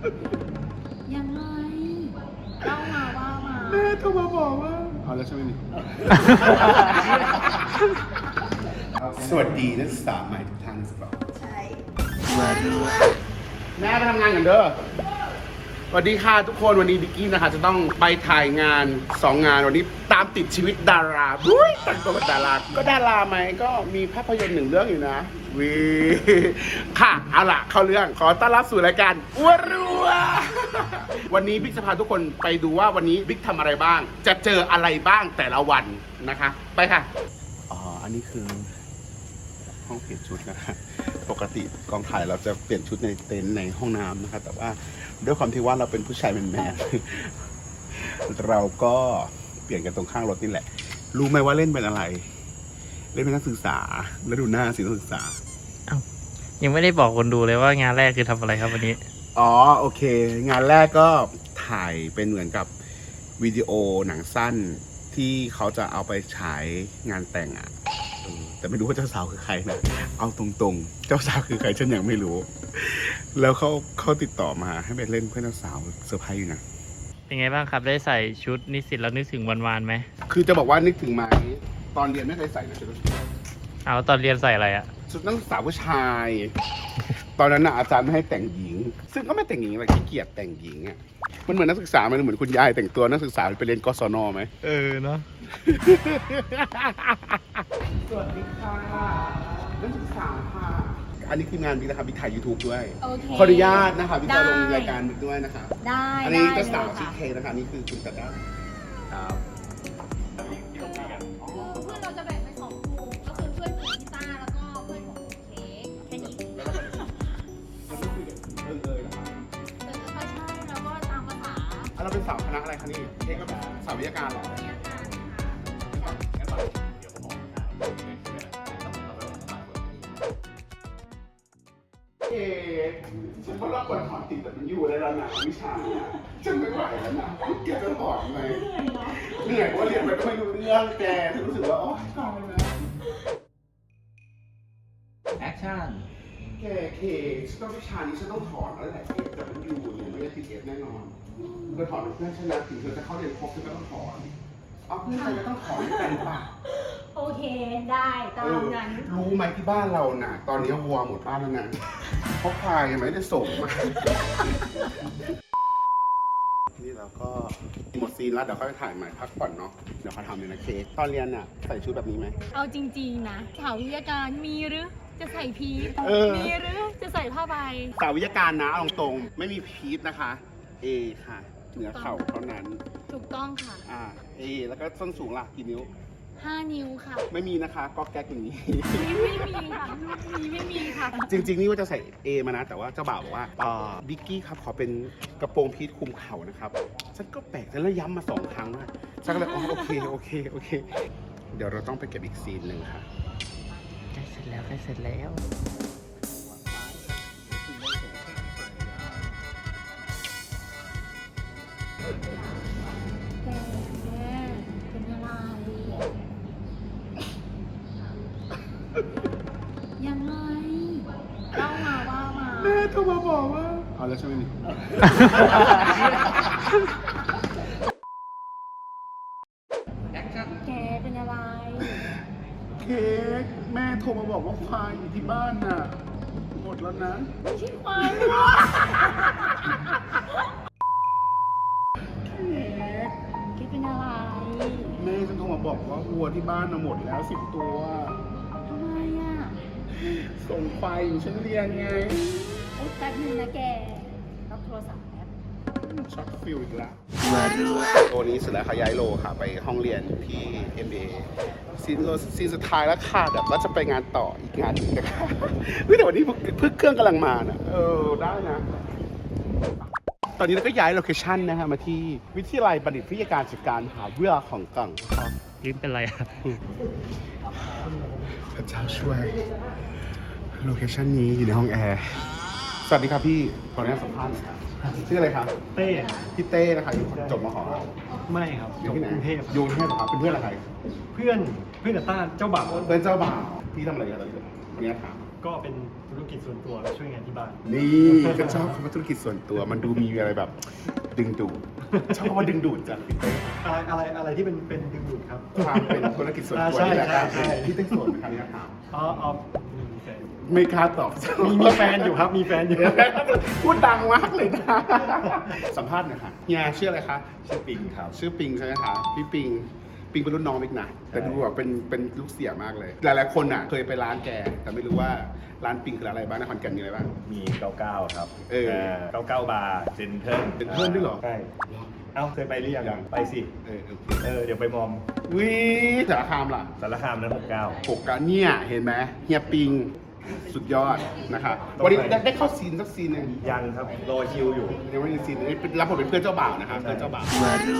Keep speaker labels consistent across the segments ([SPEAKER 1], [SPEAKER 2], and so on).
[SPEAKER 1] ยังไงเล่ามาว่ามา
[SPEAKER 2] แม่โทรมาบอกว่าเอาแล้วใช่ไหมนี่ สวัสดีนักศึกษาใหม่ทุกท่านนะครับ
[SPEAKER 1] ใช่
[SPEAKER 2] แม่ไปทำงานกันเด้อสวัสดีค่ะทุกคนวันนี้บิ๊กกี้นะคะจะต้องไปถ่ายงาน2 งานวันนี้ตามติดชีวิตดาราบุ้ยแต่งตัวเป็นดาราก็ดาราไหมก็มีภาพยนตร์1 เรื่องอยู่นะวีค่ะเอาล่ะเข้าเรื่องขอต้อนรับสู่รายการอ้วรัววันนี้บิ๊กจะพาทุกคนไปดูว่าวันนี้บิ๊กทำอะไรบ้าง จะเจออะไรบ้างแต่ละวันนะคะไปค่ะอ๋ออันนี้คือห้องเปลี่ยนชุดนะฮะปกติกองถ่ายเราจะเปลี่ยนชุดในเต็นท์ในห้องน้ำนะครับแต่ว่าด้วยความที่ว่าเราเป็นผู้ชายแมนๆเราก็เปลี่ยนกันตรงข้างรถนี่แหละรู้ไหมว่าเล่นเป็นอะไรเล่นเป็นนักศึกษาแล้วดูหน้าสินักศึกษา
[SPEAKER 3] ยังไม่ได้บอกคนดูเลยว่างานแรกคือทำอะไรครับวันนี้
[SPEAKER 2] อ๋อโอเค งานแรกก็ถ่ายเป็นเหมือนกับวิดีโอหนังสั้นที่เขาจะเอาไปฉายงานแต่งอ่ะแต่ไม่รู้ว่าเจ้าสาวคือใครนะเอาตรงๆเจ้าสาวคือใครฉันยังไม่รู้ แล้วเขาติดต่อมาให้ไปเล่นเพื่อนเจ้าสาวเซอร์ไพรส์อยู่นะ
[SPEAKER 3] เป็นไงบ้างครับได้ใส่ชุดนิสิตแล้วนึกถึงวันๆไหม
[SPEAKER 2] คือจะบอกว่านึกถึงไหมตอนเรียนไม่เคยใส่นะชุด
[SPEAKER 3] เอาตอนเรียนใส่อะไรอะ
[SPEAKER 2] ชุดนักศึกษาผู้ชาย ตอนนั้นน่ะอาจารย์ไม่ให้แต่งหญิง ซึ่งก็ไม่แต่งหญิงอะไรขี้เกียจแต่งหญิงอ่ะมันเหมือนนักศึกษามันเหมือนคุณยายแต่งตัวนักศึกษาไปเรียนกศนไหม
[SPEAKER 3] เนาะ
[SPEAKER 2] สวัสดีค่ะนักศึกษาค่ะอันนี้ทีมงานบิ๊กนะครับบิ๊กถ่าย YouTube ด้วย
[SPEAKER 1] โอเค
[SPEAKER 2] ขออนุญาตนะคะบิ๊กจะลง
[SPEAKER 1] ได้
[SPEAKER 2] รายการบิ๊กด้วยนะคะ
[SPEAKER 1] ได้
[SPEAKER 2] อันนี้
[SPEAKER 1] ได้
[SPEAKER 2] เจ้าสาว
[SPEAKER 1] เลย
[SPEAKER 2] ชื่อ
[SPEAKER 1] ค่ะ
[SPEAKER 2] เคนะคะอันนี่คือคุณตาด้าครับ
[SPEAKER 1] คือเพื่อนเราจะแบ่งเป็น2 กลุ่มก็คือเพื่อนของพี่ต้าแล้วก็เพื่อนของเค้กแค่นี้
[SPEAKER 2] แล้วก็เขาไม่คุยกันเลยเหรอครับ
[SPEAKER 1] แต่ก็ใช่แล้วก็ตามภาษา
[SPEAKER 2] อ่ะเราเป็นสาวคณะอะไรคะนี่เค้กก็เป็นสาววิทยาการเหรอ
[SPEAKER 1] เรียนกันค่ะ
[SPEAKER 2] เอ๊ะฉันก็รับบทถอนติดแต่มันอยู่ในระดับวิชาเนี่ยฉันไม่ไหวแล้วนะแกจะถอนไหมเหนื่อยเพราะว่าเรียนไปก็ไม่รู้เรื่องแกฉันรู้สึกว่าโอ๊ยตายแล้ว
[SPEAKER 3] แอคชั่น
[SPEAKER 2] แกเคฉันต้องวิชานี้ฉันต้องถอนแล้วแหละเอฟแต่มันอยู่เนี่ยไม่ได้ติดเอฟแน่นอนเธอถอนเป็นเพื่อนชนะถึงเธอจะเข้าเรียนครบเธอก็ต้องถอนเอาเพื่อนใครก็ต้องถอนด้วยกันป่ะ
[SPEAKER 1] โอเคได้ตามนั้น
[SPEAKER 2] รู้ไหมที่บ้านเราน่ะ ตอนนี้วัวหมดบ้านแล้วนะเพราะควายยังไม่ได้ส่งมานี่เราก็หมดซีนแล้วเดี๋ยวค่อยไปถ่ายใหม่พักผ่อนเนาะเดี๋ยวเขาทำเลยนะเค้กตอนเรียนน่ะใส่ชุดแบบนี้ไหม
[SPEAKER 1] เอาจริงๆนะสาววิทยาการมีหรือจะใส่พีท
[SPEAKER 2] เออ
[SPEAKER 1] มีหรือจะใส่ผ้าใบ
[SPEAKER 2] สาววิทยาการนะเอาตรงๆไม่มีพีทนะคะ A ค่ะเหนือเข่าเท่านั้น
[SPEAKER 1] ถูกต้องค่ะ
[SPEAKER 2] A แล้วก็ส้นสูงล่ะกี่นิ้ว
[SPEAKER 1] 5 นิ้วค่ะ
[SPEAKER 2] ไม่มีนะคะก็แก๊กอย่างนี้
[SPEAKER 1] ไม่มีค่ะไม่มีค่ะ
[SPEAKER 2] จริงๆ นี่ว่าจะใส่ A มานะ แต่ว่าเจ้าบ่าวบอกว่าบิ๊กกี้ครับขอเป็นกระโปรงพีทคลุมเข่านะครับ ฉันก็แปลกฉันแล้วย้ำมา2 ครั้งว่าฉันก็เลยโอเค เดี๋ยวเราต้องไปเก็บอีกซีนหนึ่งค่ะ
[SPEAKER 3] ใกล้เสร็จแล้ว
[SPEAKER 1] แกเป็นอะไรยังไงเล่ามาว่ามา
[SPEAKER 2] แม่โทรมาบอกว่าเอาแล้วใช่ไหมนี่
[SPEAKER 1] แกเป็นอะไร
[SPEAKER 2] เค้กแม่โทรมาบอกว่าควายอยู่ที่บ้านน่ะหมดแล้วนะ
[SPEAKER 1] ไม่ใช่ควายหรอ
[SPEAKER 2] เค้ก
[SPEAKER 1] แกเป็นอะไร
[SPEAKER 2] แม่ฉันโทรมาบอกว่าวัวที่บ้านน่ะหมดแล้ว10 ตัว
[SPEAKER 1] ทำไมอ่ะ
[SPEAKER 2] ส่งควายอยู่ฉันเรียนไง
[SPEAKER 1] โอ๊ยแป๊บนึงนะแกรับโทรศัพท์แป๊บ
[SPEAKER 2] ช็อตฟิลอีกแล้วโลนี้เสร็จแล้วค่ะย้ายโลค่ะ ไปห้องเรียนที่ MBA ซีนสุดท้ายแล้วค่ะเดี๋ยวก็จะไปงานต่ออีกงานหนึงนะคะเฮ้ยแต่วันนี้เพิ่งเครื่องกำลังมานะได้นะ ตอนนี้เราก็ย้ายโลเคชั่นนะฮะมาที่วิทยาลัยบัณฑิตวิทยาการจัดการมหาวิทยาลัยของกัง
[SPEAKER 3] ลิ้นเป็นไรอะ
[SPEAKER 2] พระเจ้าช่วยโลเคชั่นนี้อยู่ในห้องแอร์สวัสดีครับพี่ขออนุญาตสัมภาษณ์หน่อยครับชื่ออะไรครับ
[SPEAKER 4] เต้
[SPEAKER 2] พี่เต้นะคะอยู่จบมห
[SPEAKER 4] ไม่ครับ
[SPEAKER 2] อยู่ที่ไหน
[SPEAKER 4] กรุงเทพ
[SPEAKER 2] อยู่กรุงเทพเหรอครับเป็นเพื่อนอะไร
[SPEAKER 4] เพื่อนกับต้าเจ้าบ่าว
[SPEAKER 2] เพื่อนเจ้าบ่าวพี่ทำอะไรกันตอนนี้วันนี้ถาม
[SPEAKER 4] ก็เป็นธุรกิจส่วนตัวช่วยงานที่บ้าน
[SPEAKER 2] นี่ก็ชอบคำว่าธุรกิจส่วนตัวมันดูมีอะไรแบบดึงดูดชอบคำว่าดึงดูดจังพี่เต้
[SPEAKER 4] อะไรที่เป็นดึงดูดครับ
[SPEAKER 2] ความเป็นธุรกิจส่วนตัว
[SPEAKER 4] ใช่
[SPEAKER 2] นี่แหละครับ
[SPEAKER 4] ใช่
[SPEAKER 2] พี่เต้โสดไหมครับเนี่ยครับ
[SPEAKER 4] อ๋อมีแฟน
[SPEAKER 2] ไม่กล้าตอบ
[SPEAKER 4] มีแฟนอยู่ครับมีแฟนอยู่
[SPEAKER 2] พูดดังมากเลยนะ สัมภาษณ์หน่อยค่ะเฮียชื่ออะไรคะ
[SPEAKER 5] ชื่อปิงครับ
[SPEAKER 2] ชื่อปิงใช่ไหมคะพี่ปิงเป็นรุ่นน้องมิกนะแต่ดูแบบเป็นลูกเสียมากเลย หลายๆคนอ่ะเคยไปร้านแกแต่ไม่รู้ว่าร้านปิงคืออะไรบ้างนครแก่นมีอะไรบ้าง
[SPEAKER 5] มี 99 ครับ
[SPEAKER 2] เออ
[SPEAKER 5] 99 บาร์เจนเทิล
[SPEAKER 2] เป็นเพื่อนด้วยเหรอ
[SPEAKER 5] ใช่ เอ้าเคยไปหรือยังไปสิ
[SPEAKER 2] เออโอเค
[SPEAKER 5] เดี๋ยวไปมอม
[SPEAKER 2] วิสารคามล่ะ
[SPEAKER 5] สารคามนั้น 69
[SPEAKER 2] ปกกันเนี่ยเห็นไหมเฮียปิงสุดยอดนะคะวันนี้ได้เข้าซีนสักซีนหนึ่ง
[SPEAKER 5] ยังครับรอคิวอยู่
[SPEAKER 2] ยังไม่มีซีนนี้รับผมเป็นเพื่อนเจ้าบ่าวนะครับเพื่อนเจ้าบ่าว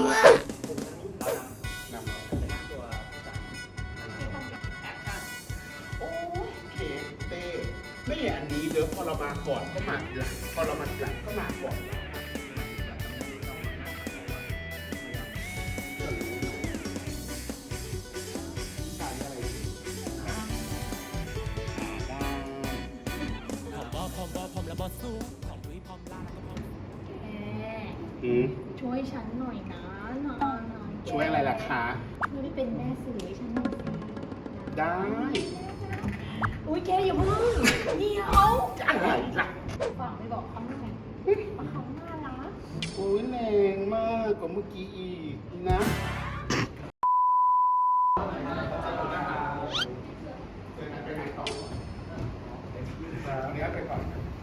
[SPEAKER 2] โอ้ยเคเต้ไม่อย่างนี้เดี๋ยวพอเรามาก่อนก็มาทีหลังพอเรามาทีหลังก็มาก่อนอืม
[SPEAKER 1] ช่วยฉันหน่อยนะนะ
[SPEAKER 2] ช่วยอะไรล่ะคะ
[SPEAKER 1] ช่วยเป็นแม่สื่อให้ฉันหน่อยสิ
[SPEAKER 2] ได้
[SPEAKER 1] อุ้ยแกอย่าเพิ่งเดี๋ยว
[SPEAKER 2] อะไรล่ะ
[SPEAKER 1] ฝากไปบอกเขาหน่อยว่าเขาน่ารัก
[SPEAKER 2] โอ้ยแรงมากกว่าเมื่อกี้อีกนะไปก่อน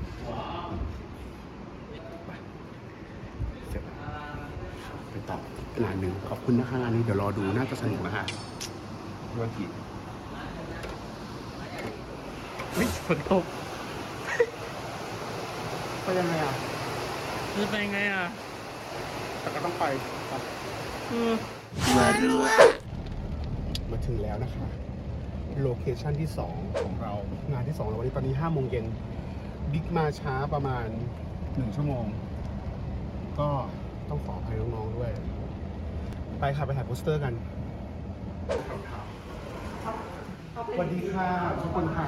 [SPEAKER 2] เสร็จแล้วไปต่องานหนึ่งขอบคุณนะคะงานนี้เดี๋ยวรอดูน่าจะสนุกนะคะธุรกิจ
[SPEAKER 3] วิฝนตก
[SPEAKER 2] ไปยังไงอ่ะ
[SPEAKER 3] จะไปไงอ่ะ
[SPEAKER 2] แต่ก็ต้องไปครับ มาถึงแล้วนะคะ โลเคชั่นที่ 2 ของเรา งานที่2แล้ววันนี้ตอนนี้5 โมงเย็นบิ๊กมาช้าประมาณ 1 ชั่วโมง ก็ต้องขออภัยน้องๆด้วย ไปค่ะ ไปถ่ายโปสเตอร์กันสวัสดีค่ะทุกคนค่ะ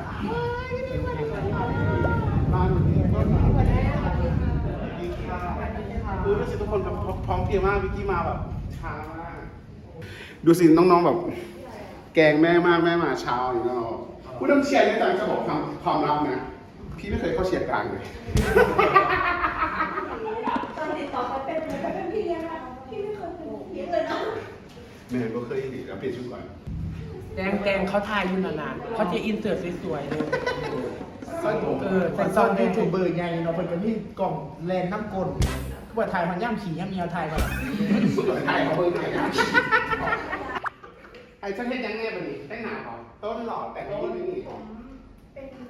[SPEAKER 2] มาหนูนี่ก็มาสวัสดีค่ะรู้สึกทุกคนแบบพร้อมเพรียงมากวิกกี้มาแบบช้ามาก ดูสิน้องๆแบบ แกงแม่มากแม่มาเช้าอย่างนี้เนาะผู้นำเชียร์นี่ต่างจะบอกความลับนะพี่ไม่เคยเข้าเชียร์กลางเลย
[SPEAKER 1] ตอนติดต่อไปเป็นพี่เลี้ยงนะพี่ไม่เคยเป็นเลี้ยงเลยนะ
[SPEAKER 2] แม่ก็เคยดีแล้วเปลี่ยนชุดก่อน
[SPEAKER 6] แดงเขาทายอยู่นานๆเขาจะอินเสิร์ตสวยๆเลย
[SPEAKER 2] สร้อยผม
[SPEAKER 6] แต่ซอนยูทูบเบอร์ใหญ่เนาะเป็นคนที่กล่องแลนน้ำกลก็ว่าถ่ายมันย่ำขี่ย่ำเมียวถ่ายก่อน
[SPEAKER 2] ไอ้เขาเบอร์ไหนนะไอ้ฉันเห็นยังไงบ้างนี่แต่งหน้าเขาต้นหล่อแต่งยิ้มไม่มี
[SPEAKER 1] เป็นแบบ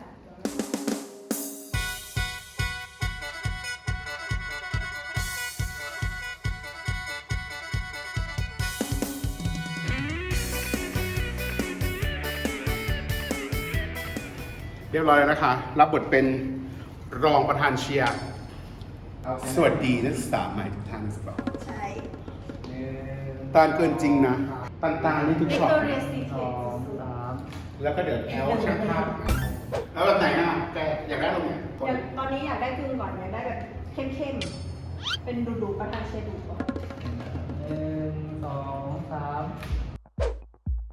[SPEAKER 2] เรียบร้อยแล้วนะคะ รับบทเป็นรองประธานเชียร์ สวัสดีนักศึกษาใหม่ทุกท่านนะครับ
[SPEAKER 1] ใช่
[SPEAKER 2] ตาลเกินจริงนะตาลตาลนี่ทุก
[SPEAKER 1] เอ็ก
[SPEAKER 2] ช็อต
[SPEAKER 1] โตเรียซีเค
[SPEAKER 2] แล้วก็เดี๋ยวแอลช่างภาพแล้วแบบไหนอ่ะแกอยากได้ตรงไหน
[SPEAKER 1] ตอนนี้อยากได้กึ่งก่อนอยากได้แบบเข้มๆ เป็นดูๆประธานเชียร์ดูก่อน
[SPEAKER 6] 1 2 3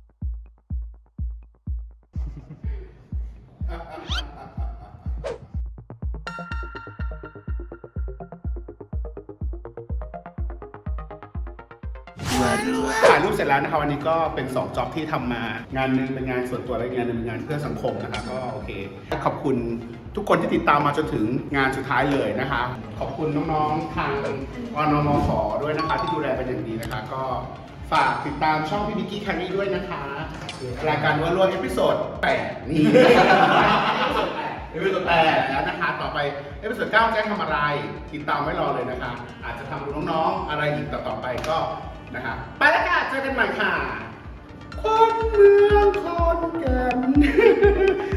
[SPEAKER 2] ถ่ายรูปเสร็จแล้วนะคะวันนี้ก็เป็น2จ็อบที่ทำมา งานหนึงเป็นงานส่วนตัวและอีกงานหนึงเป็นงานเพื่อสังคมนะคะก็โอเคขอบคุณทุกคนที่ติดตามมาจนถึงงานสุดท้ายเลยนะคะ ขอบคุณน้องๆทางอนมขด้วยนะคะ ที่ดูแลเป็นอย่างดีนะคะ ก็ฝากติดตามช่องพี่บิ๊กกี้แครี่ด้วยนะคะรายการวัวล้วนเอพิโซด8นี่ เอพิโซด8แล้วนะคะ ต่อไปเอพิโซด9จะทำอะไรติดตามไว้รอเลยนะคะ อาจจะทำดูน้องๆอะไรอีกต่อไปก็นะคะไปแล้วค่ะเจอกันใหม่ค่ะคนเมืองคนแก่น